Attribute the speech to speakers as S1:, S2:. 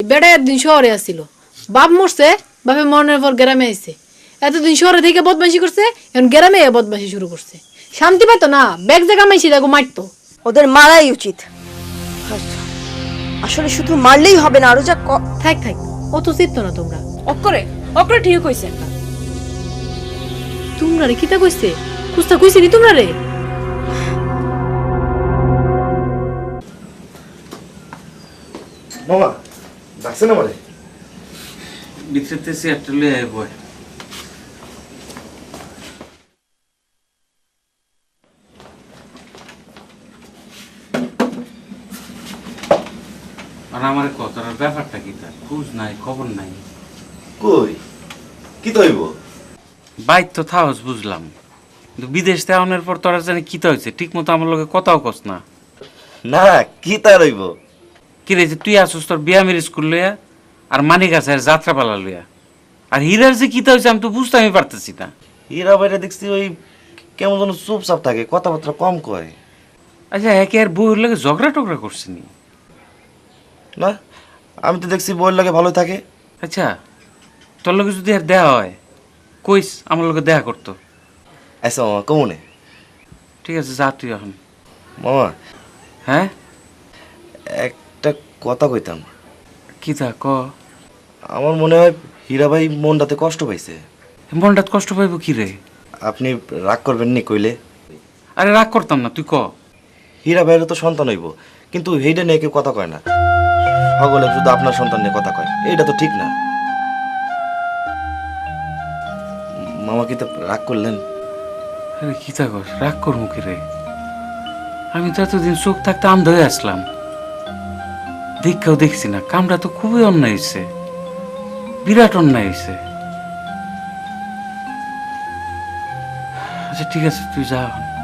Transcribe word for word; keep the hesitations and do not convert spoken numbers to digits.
S1: বেটা একদিন শহরে আসছিল, বাপ মরছে, বাপে মরনের পর গ্রামে আইছে। এতদিন শহরে থেকে বদমাশি করছে, এখন গ্রামে বদমাশি শুরু করছে। শান্তি পাইতো না, ব্যাগ জায়গা মাইছি দেখো মারতো।
S2: ওদের মারাই উচিত। আসলে শুধু মারলেই হবে না, আরো যা
S1: থাক থাক, অত চিত্ত না তোমরা।
S3: অকরে অকরে ঠিক কইছেন।
S1: তোমরা রে কিতা কইছে? কুস্তা কইছি নি তোমরা রে?
S4: মামা ডাকছে না মানে
S5: ভিতরেতে চেয়ারটা লয়ে আয় বয়। আর আমার কথার ব্যাপারটা কি তার খোঁজ নাই, খবর নাই।
S4: কই কি তৈব?
S5: বাইর তো থাকস বুঝলাম, কিন্তু বিদেশ তেমনের পর তোরা জানি কি হয়েছে ঠিক মতো আমার লগে কথাও কস না।
S4: না কি তা রইব?
S5: কি রে যে তুই আসস তোর বিয়ামের স্কুল লইয়া, আর মানিক আছে যাত্রাপালা লইয়া, আর হীরার যে কি হয়েছে আমি তো বুঝতে আমি পারতেছি না।
S4: হীরা বাইরে দেখছি ওই কেমন যেন চুপচাপ থাকে, কথাবার্তা কম কয়।
S5: আচ্ছা একে আর বউয়ের লগে ঝগড়া টগড়া করছিনি?
S4: না আমি তো দেখছি বইয়ের লাগে ভালো থাকে।
S5: আচ্ছা তোর লগে যদি আর দেয়া হয় কইস আমার লগে দেখা করতো।
S4: আচ্ছা মামা কমনে।
S5: ঠিক আছে যা তুই এখন।
S4: মামা
S5: হ্যাঁ
S4: একটা কথা কইতাম।
S5: কি তা ক।
S4: আমার মনে হয় হীরা ভাই মনটাতে কষ্ট পাইছে।
S5: মনটাত কষ্ট পাইব কি রে?
S4: আপনি রাগ করবেন নি কইলে?
S5: আরে রাগ করতাম না, তুই ক।
S4: হীরা ভাইয়েরও তো সন্তান হইব, কিন্তু সেইটা নিয়ে কেউ কথা কয় না। সকলে শুধু আপনার সন্তান নিয়ে কথা কয়, এইটা তো ঠিক না। মামা কি তো রাগ করলেন?
S5: আরে কি তা কর, রাগ করবো কি রে? আমি তো এতদিন চোখ থাকতে আন্ধ হয়ে আসলাম, দীক্ষাও দেখছি না। কামটা তো খুবই অন্যায় হয়েছে, বিরাট অন্যায় হয়েছে। আচ্ছা ঠিক আছে তুই যা এখন।